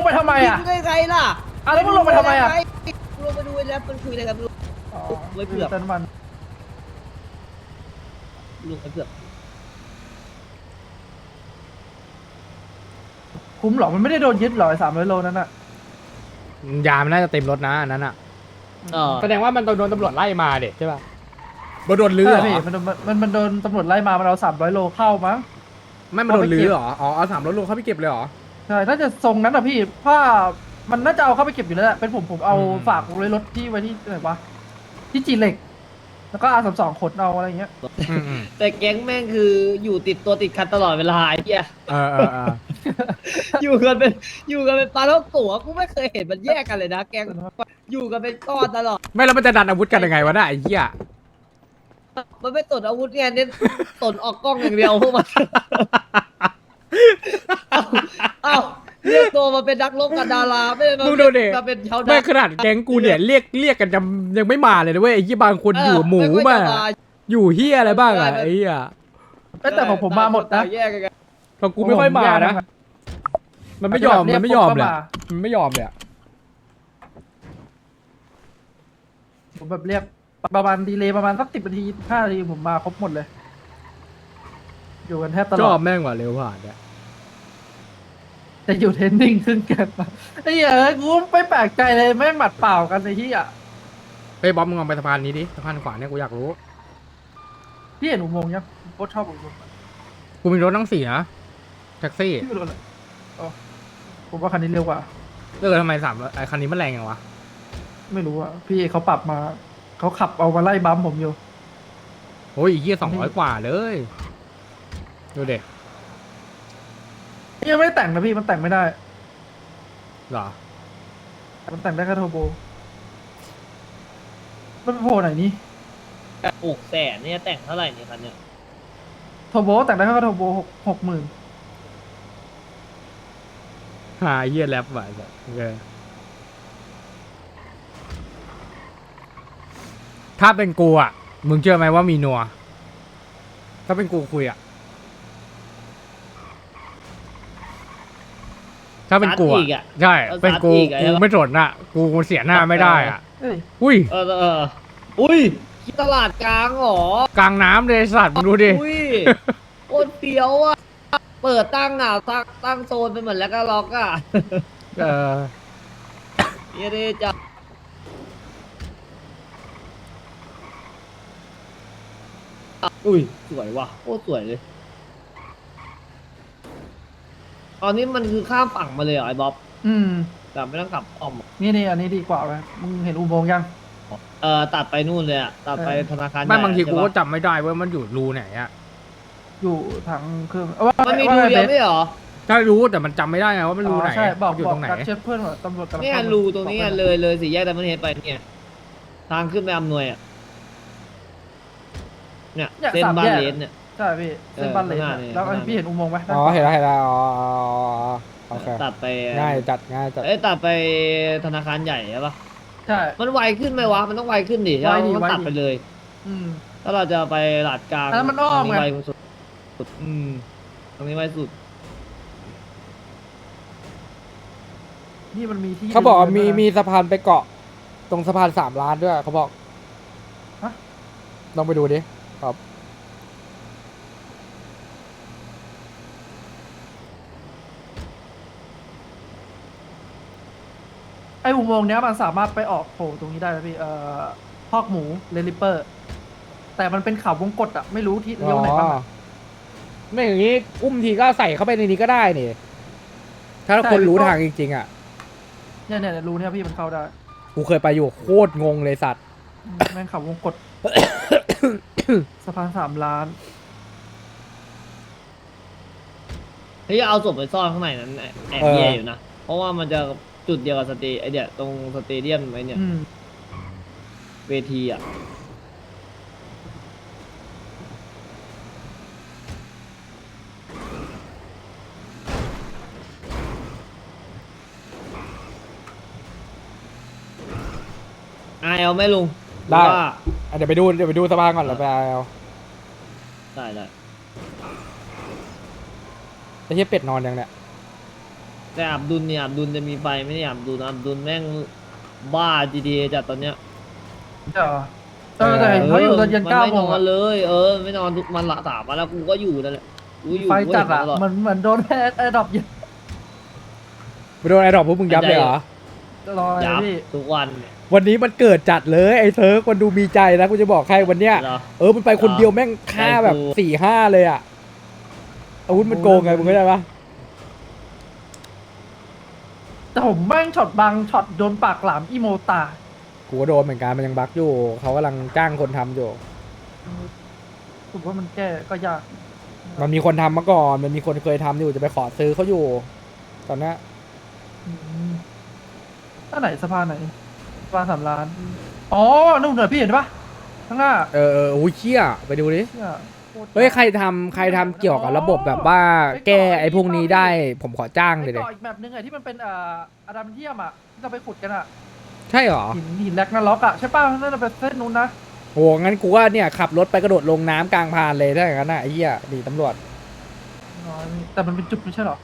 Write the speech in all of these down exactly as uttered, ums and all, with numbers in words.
งไปทำไมอ่ะได้ไงล่ะอ่ะแล้วมึงลงไปทำไมอ่ะลงไปดูแล้วมันคุยอะไรกันลุงอ๋อไว้เผือกเติมน้ำมันลุงไว้เผือกคุ้มหรอมันไม่ได้โดนยึดหรอสามร้อยโลนั้นอ่ะยามันน่าจะเต็มรถนะอันนั้นอ่ะเออแสดงว่ามันโดนตำรวจไล่มาเด็ใช่ป่ะมันโดนลื้อใช่เหรพี่อมันมันมันมันโดนตำรวจไล่มามันเอาสามร้อยโลเข้ามั้งไม่มันโดนลื้อเหรออ๋อเอาสามรถลงเข้าไปเก็บเลยเหรอใช่น่าจะทรงนั้นอ่ะพี่ผ้ามันน่าจะเอาเข้าไปเก็บอยู่แล้วแหละเป็นผมผมเอาอืมฝากไว้รถที่ไว้ที่ไหนวะที่จีเหล็ก แล้วก็อาสามสองขนเอาอะไรเงี้ยอืมอืมแต่แก๊งแม่งคืออยู่ติดตัวติดคันตลอดเวลาไอ้เหี้ยเออเออเอออยู่กันเป็นอยู่กันเป็นปลาท้องตัวกูไม่เคยเห็นมันแยกกันเลยนะแก๊งอยู่กันเป็นก้อนตลอดไม่แล้วมันจะดันอาวุธกันยังไงวะน่ะไอ้เหี้ยมันไม่ตนอาวุธไงเน้นตนออกกล้องอย่างเดียวพวกมันเอ้าเอ้าเรียกตัวมาเป็นนักรบกับดาราไม่ได้มามึงดูดิมาเป็นชาวไม่นาขนาดแก๊งกูเนี่ยเรียกเรียกกันยังยังไม่มาเลยนะเว้ยไอ้ยี่บางคนอยู่หมูเไค่มาจะอยู่เฮียอะไรบ้างอ่ะไอ้เหี้ยเอ้ยแต่ของผมมาหมดนะแยกกันของกูไม่ค่อยมานะ มันไม่ยอมมันไม่ยอมเลยอะมันไม่ยอมเลยอะผมแบบเรียกประมาณดีเลย์ประมาณสักสิบนาทีห้านาทีผมมาครบหมดเลย อยู่กันแทบตชลออบ ดแม่งกว่าเร็วผ่านเนี่ยจะอยู่เทรนนิ่งขึ้นเกันมาไอ้เหี้ยเอ้ยกูไม่แปลกใจเลยแม่งหมัดเปล่ากันไอ้ที่อ่ะเฮ้ยบ๊อบมึงลองไปสะพานนี้ดิสะพานขวาเนี่ยกูอยากรู้พี่เห็นอุโมงค์ยังโคตรชอบอุโมงค์กูมีรถทั้งสี่นะแท็กซี่พี่ไม่รู้เลยอ๋อผมว่าคันนี้เร็วกว่าเออทำไมสามไอ้คันนี้มันแรงยังวะไม่รู้อ่ะพี่เขาปรับมาเขาขับเอามาไล่บัมผมอยู่โอ้ยอีกเหี้ยสองร้อยกว่าเลยดูเด็กยังไม่ได้แต่งนะพี่มันแต่งไม่ได้เหรอมันแต่งได้แค่เทอร์โบมันโผล่ไหนนี่หกแสนเนี่ยแต่งเท่าไหร่เนี่ยคันเนี่ยเทอร์โบแต่งได้แค่เทอร์โบหกหกหมื่นหาเหี้ยแรปว่ะแบบโอเคถ้าเป็นกูอ่ะมึงเชื่อไหมว่ามีนัวถ้าเป็นกูคุยอ่ะถ้าเป็นกูซัดอีกอ่ะอะใช่เป็นกูซัดอีกอะกูไม่สนอ่ะ กูเสียหน้าไม่ได้อ่ะเอ้ยอุ้ยเออเอออุ้ยที่ตลาดกลางเหรอกลางน้ำเลยไอ้สัตว์มึงดูดิอุ้ยโคตรเฟี้ยวอ่ะเปิดตั้งอ่ะตั้งตั้งโซนไปเหมือนแล้วก็ล็อกอ่ะเออเยเดจ้ะอุ้ยสวยว่ะโคตรสวยเลยตอนนี้มันคือข้ามฝั่งมาเลยเหรอไอ้บ๊อบอืมแบบไม่ต้องกลับอ้อมนี่นี่อันนี้ดีกว่าไหมมึงเห็นอุโมงค์ยังเออตัดไปนู่นเลยอ่ะตัดไปเออธนาคารไม่บางทีใหญ่กูก็ใช่ปะจำไม่ได้ว่ามันอยู่รูไหนอ่ะอยู่ทางเครื่องเอาว่ามันมีว่ารูไงเดียวบสไม่เหรอถ้ารู้แต่มันจำไม่ได้ไงว่ามันรูไหนอ๋อใช่บอกอยู่บอตกรงไหนกัดเชฟเพื่อนว่าตำรวจกำลังเนี่ยเข้ามารูตรงนี้บอกไปเลยเลยสี่แยกแต่มันเห็นไปเนี่ยทางขึ้นไปอำนวยอ่ะเนี่ยเส้นบ้านเลนเนี่ยใช่พี่เส้นบ้านเลนเอออะข้างหน้านี่แล้วข้างหน้าพี่เห็นอุโมงค์ไหมอ๋อเห็นแล้วเห็นแล้วอ๋อโอเคตัดไปง่ายจัดง่ายจัดเอ้ยตัดไปธนาคารใหญ่ใช่ปะใช่มันไวขึ้นไหมวะมันต้องไวขึ้นดิใช่ไวปะดิมันไวดิตัดไปเลยอืมถ้าเราจะไปหลาดกลางอันนั้นมันอ้อมตรงไงไวสุดอืมตรงนี้ไวสุดนี่มันมีที่เขาบอกว่ามีดินด้วยนะมีสะพานไปเกาะ ตรงสะพานสามล้านด้วยเขาบอกฮะลองไปดูดิครับไออุโมงค์เนี้ยมันสามารถไปออกโผล่ตรงนี้ได้นะพี่เอ่อพอกหมูเรลิปเปอร์ แต่มันเป็นเขาวงกตอะไม่รู้ที่เลี้ยวไหนบ้างอะไม่อย่างนี้อุ้มทีก็ใส่เข้าไปในนี้ก็ได้นี่ ถ้าใช่คนรู้ก็ทางจริงๆอ่ะเนี่ยเนี่ยเนี่ยรูเนี่ยพี่มันเข้าได้กูเคยไปอยู่โคตรงงเลยสัตว์อืมแม่งเขาวงกต สะพานสามล้านเฮ้ยเอาศพไปซ่อนข้างในนั้นแอบแอบแย่อยู่นะเพราะว่ามันจะจุดเดียวกับสเตไอเดียตรงสเตเดียมไอเนี่ยอืมเวทีอ่ะอายเอาไหมลุงได้หรือว่าอ่ะเดี๋ยวไปดูเดี๋ยวไปดูสะพานก่อนแล้วไปเอาได้ได้ไอ้เหี้ยเป็ดนอนยังเนี่ยแต่อับดุลเนี่ยอับดุลจะมีไฟไม่ได้อับดุลอับดุลแม่งบ้า จี ที เอ จัดตอนเนี้ยเดี๋ยวเออแต่เห็นเขาอยู่ตอนเย็นมันเก้าไม่โมนงอนอะเลย เออ ไม่นอนทุกมันละสามวันแล้วกูก็อยู่นั่นแหละกูอยู่ไฟกูจัดเห็นอะตลอดเหมือนเหมือนโดนแอร์แอร์ดรอปเยอะไปโดนไอ้ดอกพวกมึงยับเลยเหรอรอเลยยับพี่ทุกวันวันนี้มันเกิดจัดเลยไอ้เซิร์ฟคนดูมีใจนะกูจะบอกใครวันเนี้ยเหรอเออมันไปคนเดียวแม่งฆ่าแบบใจกูสี่ห้าเลยอ่ะอาวุธมันโกงไงมึงเข้าใจปะแต่ผมแม่งช็อตบังช็อตโดนปากหลามอีโมตากูก็โดนเหมือนกันมันยังบั๊กอยู่เขากำลังจ้างคนทำอยู่ผมว่ามันแก้ก็ยากมันมีคนทำมาก่อนมันมีคนเคยทำอยู่จะไปขอซื้อเขาอยู่ ตอนเนี้ยอืมถ้าไหนสะพานไหนสะพานสามล้าน อ๋อนู่นเหนือพี่เห็นปะข้างหน้าเออเออโอ้ยเชี่ยไปดูดิเชี่ยโคตเฮ้ยใครทำใครทำเกี่ยวกับระบบแบบว่าแก้ไอ้พวกนี้ได้ ผมขอจ้างไปเลยเดต่ออีกแบบนึงไงที่มันเป็นเอ่ออะดามเทียมอ่ะที่เราไปขุดกันอ่ะใช่เหรอหินหินแลกนาล็อกอ่ะใช่ป่ะนั่นนะเป็นเส้นนู้นนะโหงั้นกูว่าเนี่ยขับรถไปกระโดดลงน้ำกลางพานเลยถ้าอย่างนั้นน่ะไอ้เหี้ยดีตำรวจน้อยแต่มันเป็นจุดไม่ใช่หรอ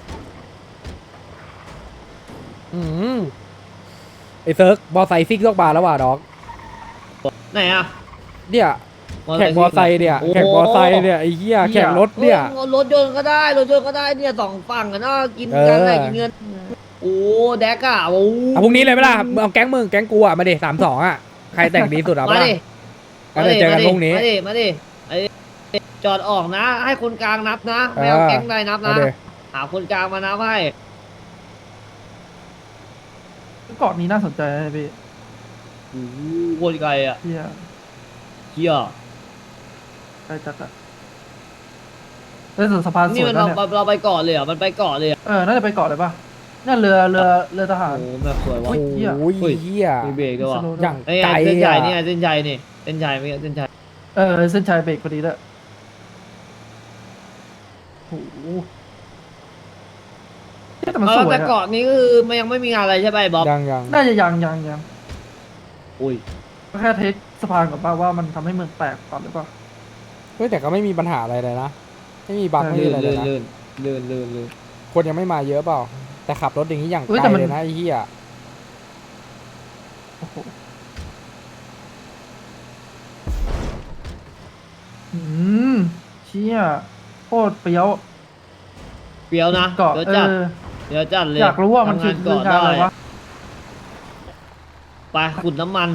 อืมไอ้เซิร์กบอไซค์ซิกลอกบาร์แล้วว่ะดอกไหนอะเนี่ยแข่งบอไซค์เนี่ยแข่งบอไซค์เนี่ยไอ้เหี้ยแข่งรถเนี่ยโอ้รถยนต์ก็ได้รถยนต์ก็ได้เนี่ยสองฝั่งกันเนาะกินเออกันอะไรกินเงินโอ้แดกอะโอ้เอาพรุ่งนี้เลยไหมล่ะมึงเอาแก๊งมึงแก๊งกูอ่ะมาดิสามสองอ่ะใครแต่งดีสุดเอามาปะล่ะดิงั้นเดี๋ยวเจอกันพรุ่งนี้มาดิมาดิไอ้จอดออกนะ ให้คนกลางนับนะไม่เอาเออแก๊งใดนับเอานะดิหาคนกลางมานับให้เกาะนี้น่าสนใจนะพี่โอ้โหโคตรไกลอะเที่ยเชี่ยไปจัดอะเล่นส่วนสะพานสนี่วยมันนะเราเนี่ยเราไปเกาะเลยเหรอมันไปเกาะเลยเหรอเออน่าจะไปเกาะเลยป่ะนั่นเรือเรือเรือทหารโอ้แบบสวยว่ะโอ้ย เหี้ยโอ้ยเฮ้ยเหี้ยมีเบรกด้วยว่ะสโลว์อย่างไอ้ไกลเส้นใหญ่อ่ะเนี่ยเส้นใหญ่นี่เส้นใหญ่ไม่ใช่เส้นใหญ่เออเส้นชัยเบรกพอดีด้วยโอ้โหเฮ้ยแต่มันเอสอวยแต่อะเกาะนี้ก็คือมันยังไม่มีงานอะไรใช่ไหมบ๊อบยังยังน่าจะยังยังยังอุ้ยก็แค่เทสสะพานก่อนป่ะว่ามันทำให้เมืองแตกก่อนหรือเปล่าเฮ้ยแต่ก็ไม่มีปัญหาอะไรเลยนะไม่มีบั๊กเออไม่มีลื่นอะไรเลลื่ยนนะลื่นลื่นลื่นลื่นคนยังไม่มาเยอะเปล่า แต่ขับรถอย่างนี้อย่างเฮ้ยไกแต่ลมันเลยนะไอ้เหี้ยโอ้โหอืมเชี่ยโคตรเปรี้ยวเปรี้ยวนะเกาะเดี๋ยวเอจัดอเดี๋ยวจัดเลยอยากรู้ว่ามันคือทำงานคืองานอะไรได้วะไปขุดน้ำมัน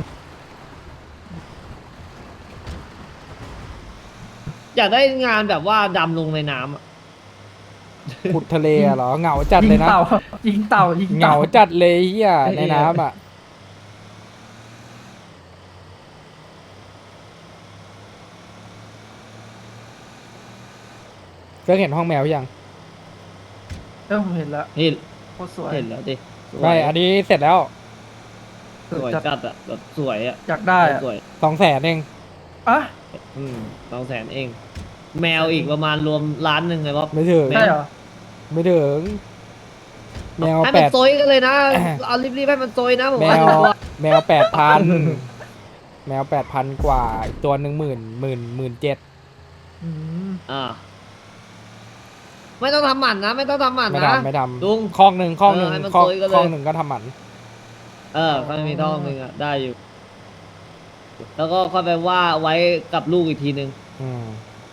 อยากได้งานแบบว่าดำลงในน้ำอะขุดทะเลอะเหรอเหงาจัดยิเลยงนะเต่ายิงเต่ายิงเหเต่างาจัดเลยไอ้เหี้ยเออในน้ำอ่ะเคยเห็นห้องแมวยังเออผมเห็นแล้วเห็นโคตรสวยเห็นแล้วดิสวยไม่อันนี้เสร็จแล้วสวยจัดจัดอะแบบสวยอะอยากได้อะสวยสองแสนเองอ่ะอืมสองแสนเอง แมวอีกประมาณรวมล้านหนึ่งไงบ๊อบไม่ถึงแมวใช่เหรอไม่ถึง แมวให้แปมันดโซยกันเลยนะ เอารีบๆให้มันโซยนะผมแมว่าวดีกว่าแมวแปดพันแมวแปดพันกว่าอีกตัวหนึ่งหมื่นหมื่นหมื่นเจ็ดอืมอ่า ไม่ต้องทำหมันนะ ไม่ต้องทำหมันไม่นะทำไม่ทลุงำคลองหนึ่งคลองหนึ่งเออให้มันคลองโซยกันเลยคลองหนึ่งก็ทำหมันเออก็มีท่อหนึ่งอ่ะ ได้อยู่ แล้วก็ค่อยไปว่าไว้กับลูกอีกทีนึงอืม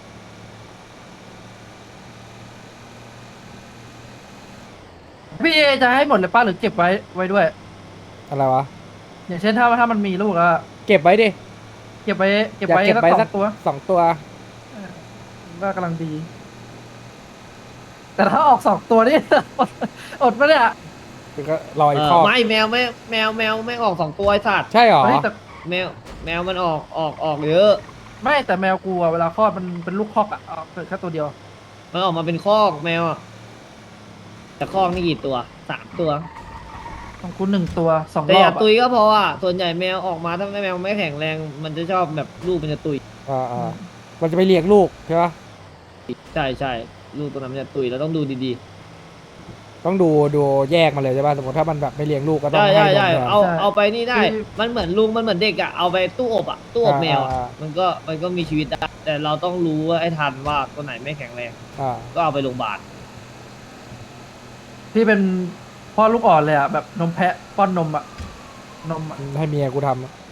พี่เอจะให้หมดเลยป้าหรือเก็บไว้ไว้ด้วยอะไรวะอย่างเช่นถ้าถ้ามันมีลูกแล้วอะเก็บไว้ดิเก็บไว้เก็บอยากไว้เก็บสักไว้สอสักงตัวสองตัวว่ากำลังดี แต่ถ้าออกสองตัวนี่ อดอดปะเนี่ยก็รออีเอก อข้อไม่แมวไม่แมวแมวไม่ออกสองตัวไอ้สัตว์ใช่เหรอเฮ้ยแต่แมวแมวมันออกออกออกเยอะไม่แต่แมวกูอะเวลาคลอดมันเป็นลูกคอกอะออกเกิดแค่ตัวเดียวมันออกมาเป็นคอกแมวอะแต่คอกนี่กี่ตัวสามตัวของกูหนึ่งตัวสองแต่รออบย่าอะตุยก็พออ่ะส่วนใหญ่แมวออกมาถ้าแมวไม่แข็งแรง มันจะชอบแบบลูกมันจะตุยอ่าอ่ามันจะไปเลี้ยงลูกใช่ปะใช่ใช่ลูกตัวนั้นมันจะตุยเราต้องดูดีต้องดูดูแยกมาเลยใช่ปะสมมติถ้ามันแบบไม่เลี้ยงลูกก็ๆต้องใช่ให้ใช่นมใช่แทนเอาเอาไปนี่ได้ มันเหมือนลุงมันเหมือนเด็กอ่ะเอาไปตู้อบอ่ะตู้อบแมวอะอ่าอ่ามันก็มันก็มีชีวิตได้แต่เราต้องรู้ว่าไอ้ทันว่าตัวไหนไม่แข็งแรงอ่าก็เอาไปโรงพยาบาลที่เป็นพ่อลูกอ่อนเลยอ่ะแบบนมแพะป้อนนมอ่ะนมอ่ะให้เมียกูทำอะ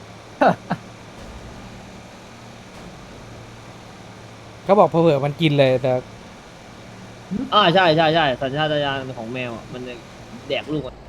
เขาบอกเผื่อๆมันกินเลยแต่อ่าใช่ใช่ใช่สัญชาตญาณของแมวอ่ะมันจะแดกลูกอะ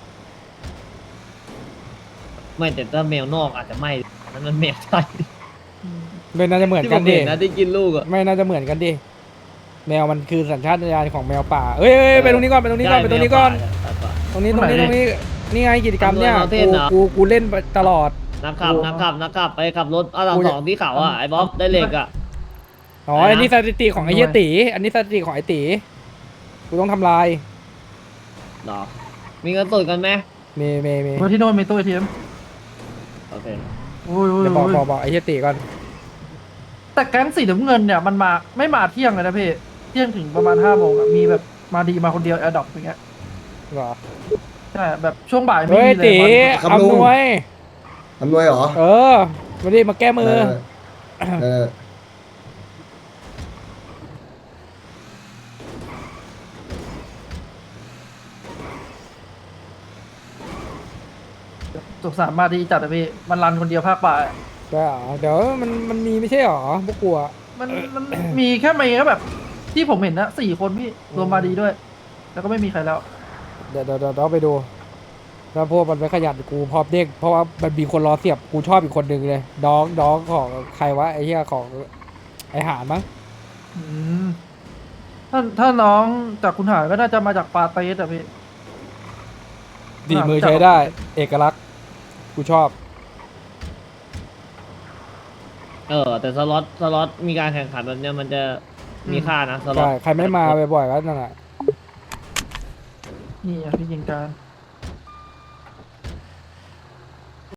ไม่แต่ถ้าแมวนอกอาจจะไม่นั่นมันแมวไทยไม่น่าจะเหมือนที่กัผนมดิเห็นนะที่กินลูกอ่ะไม่น่าจะเหมือนกันดิแมวมันคือสัญชาตญาณของแมวป่าเอ้ยเอ้ยไปตรงนี้ก่อนไปตรงนี้ก่อนไปตรงนี้ก่อนใช่แมวป่าตรงนี้ตรงนี้ตรงนี้นี่ไงกิจกรรมเนี่ยอำนวยความเทกูศเหรอกูกูเล่นตลอดนักขับนักขับนักขับไปขับรถอาร์สองที่เขาอ่ะไอ้บ๊อบได้เหล็กอ่ะอ๋ออะไรนะอันนี้สถิติของไอ้เหี้ยตีอันนี้สถิติของไอ้ตีกูต้องทำลายหรอมีเงินสดกันไหมเมเมเมเพราะที่โน่นมีตู้เอทีเอ็มโอเคอุ้ยอุ้ยเดี๋ยวบอกอุ้ยบอกบอกไอ้เหี้ยตีก่อนแต่แก๊งสีน้ำเงินเนี่ยมันมาไม่มาเที่ยงเลยนะพี่เที่ยงถึงประมาณห้าโมงอะมีแบบมาดีมาคนเดียวแอร์ดรอปอย่างเงี้ยเหรอใช่แบบช่วงบ่ายไม่เฮ้ยมีเลยตีบอลครับลุงอำนวยอำนวยเหรอเออมาดิมาแก้มือเออเออสุขสารมาดีจัดอะพี่มันรันคนเดียวภาคบ่ายได้เหรอเดี๋ยวมันมันมีไม่ใช่เหรอพวกกูอะมันมันมีแค่ไม่แค่แบบ ที่ผมเห็นนะสี่คนพี่รวมมาดีด้วย แล้วก็ไม่มีใครแล้วเดี๋ยวเดี๋ยวเดี๋ยวเราไปดูถ้าพวกมันไม่ขยันกูพร้อมเด้งเพราะว่ามันมีคนรอเสียบกูชอบอีกคนหนึ่งเลยน้องน้องของใครวะไอ้เหี้ยของไอ้หานมั้งอืมถ้าถ้าน้องจากคุณหายก็น่าจะมาจากปาเตสอะพี่ดีมือใช้ได้ เอกลักษณ์กูชอบเออแต่สล็อตสล็อตมีการแข่งขันแบบเนี้ยมันจะมีค่านะสล็อตใช่ ใครไม่มาบ่อยๆก็นั่นแหละนี่อะพี่ยิงการ